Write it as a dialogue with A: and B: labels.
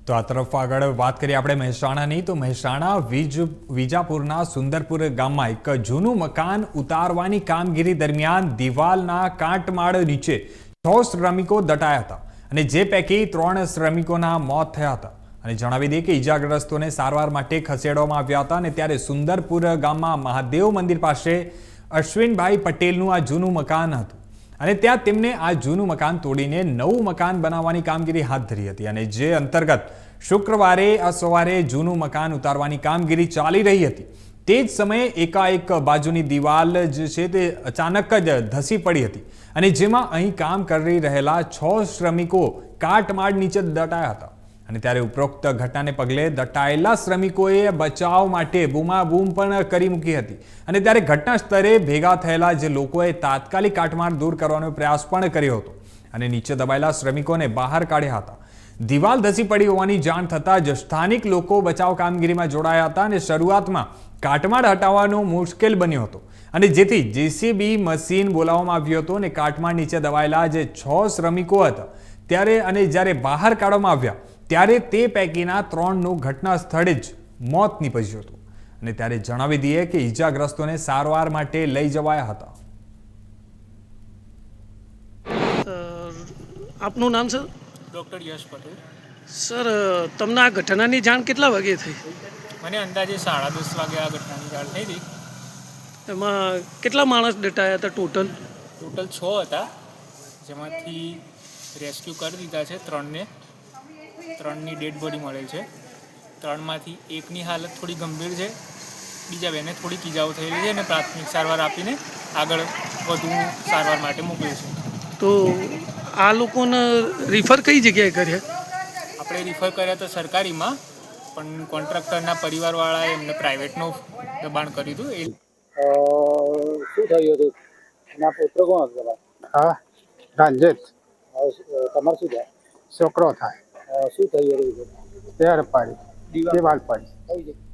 A: તો આ તરફ આગળ વાત કરીએ આપણે મહેસાણાની તો મહેસાણા વિજાપુરના સુંદરપુર ગામમાં એક જૂનું મકાન ઉતારવાની કામગીરી દરમિયાન દિવાલના કાટમાળ નીચે 6 શ્રમિકો દટાયા હતા અને જે પૈકી 3 શ્રમિકોના મોત થયા હતા અને જણાવી દઈએ કે ઈજાગ્રસ્તોને સારવાર માટે ખસેડવામાં આવ્યા હતા અને ત્યારે સુંદરપુર ગામમાં મહાદેવ મંદિર પાસે અશ્વિનભાઈ પટેલનું આ જૂનું મકાન હતું અને ત્યાં તેમને આ જૂનું મકાન તોડીને નવું મકાન બનાવવાની કામગીરી હાથ ધરી હતી અને જે અંતર્ગત શુક્રવારે સવારે જૂનું મકાન ઉતારવાની કામગીરી ચાલી રહી હતી તે જ સમયે એકાએક બાજુની દિવાલ જે છે તે અચાનક જ ધસી પડી હતી અને જેમાં અહીં કામ કરી રહેલા 6 શ્રમિકો કાટમાળ નીચે દટાયા હતા અને ત્યારે ઉપરોક્ત ઘટનાને પગલે દટાયેલા શ્રમિકોએ બચાવ માટે બૂમાબૂમ પણ કરી મૂકી હતી અને ત્યારે ઘટના સ્થળે ભેગા થયેલા જે લોકોએ તાત્કાલિક કાટમાળ દૂર કરવાનો પ્રયાસ પણ કર્યો હતો અને નીચે દબાયેલા શ્રમિકોને બહાર કાઢ્યા હતા દિવાલ ધસી પડી હોવાની જાણ થતાં જ સ્થાનિક લોકો બચાવ કામગીરીમાં જોડાયા હતા અને શરૂઆતમાં કાટમાળ હટાવવાનો મુશ્કેલ બન્યો હતો અને જેથી જેસીબી મશીન બોલાવવામાં આવ્યું હતું અને કાટમાળ નીચે દબાયેલા જે 6 શ્રમિકો હતા ત્યારે અને જ્યારે બહાર કાઢવામાં આવ્યા ત્યારે તે પૈકીના 3નું ઘટના સ્થળે જ મોત નીપજ્યું હતું અને ત્યારે જણાવી દઈએ કે ઈજાગ્રસ્તોને સારવાર માટે લઈ જવાયા હતા.
B: આપનું નામ sir?
C: Doctor Yash Patel.
B: Sir તમને આ ઘટનાની જાણ કેટલા વાગે થઈ?
C: મને અંદાજે 10:30 વાગે આ ઘટનાની જાણ થઈ હતી.
B: એમાં કેટલા માણસ દટાયા હતા ટોટલ?
C: ટોટલ 6 હતા, જેમાંથી રેસ્ક્યુ કરી દીધા છે 3ને. 3ની ડેડ બોડી મળેલ છે. 3માંથી એકની હાલત થોડી ગંભીર છે, બીજા 2ને થોડીક ઈજાઓ થયેલી છે અને પ્રાથમિક સારવાર આપીને આગળ વધુ સારવાર માટે મોકલ્યું છે.
B: તો આ લોકોને રિફર કઈ જગ્યાએ કર્યા?
C: આપણે રિફર કર્યા તો સરકારીમાં, પણ કોન્ટ્રાક્ટરના પરિવારવાળાએ એમને પ્રાઇવેટનું દબાણ કર્યું હતું.
D: શું થયું હતું? એના પુત્ર કોણ હતો?
E: હા, રંજીત.
D: તમારે શું થાય?
E: છોકરો થાય.
D: શું થયું હતું?
E: તેર પાડી દિવાલ પાડી.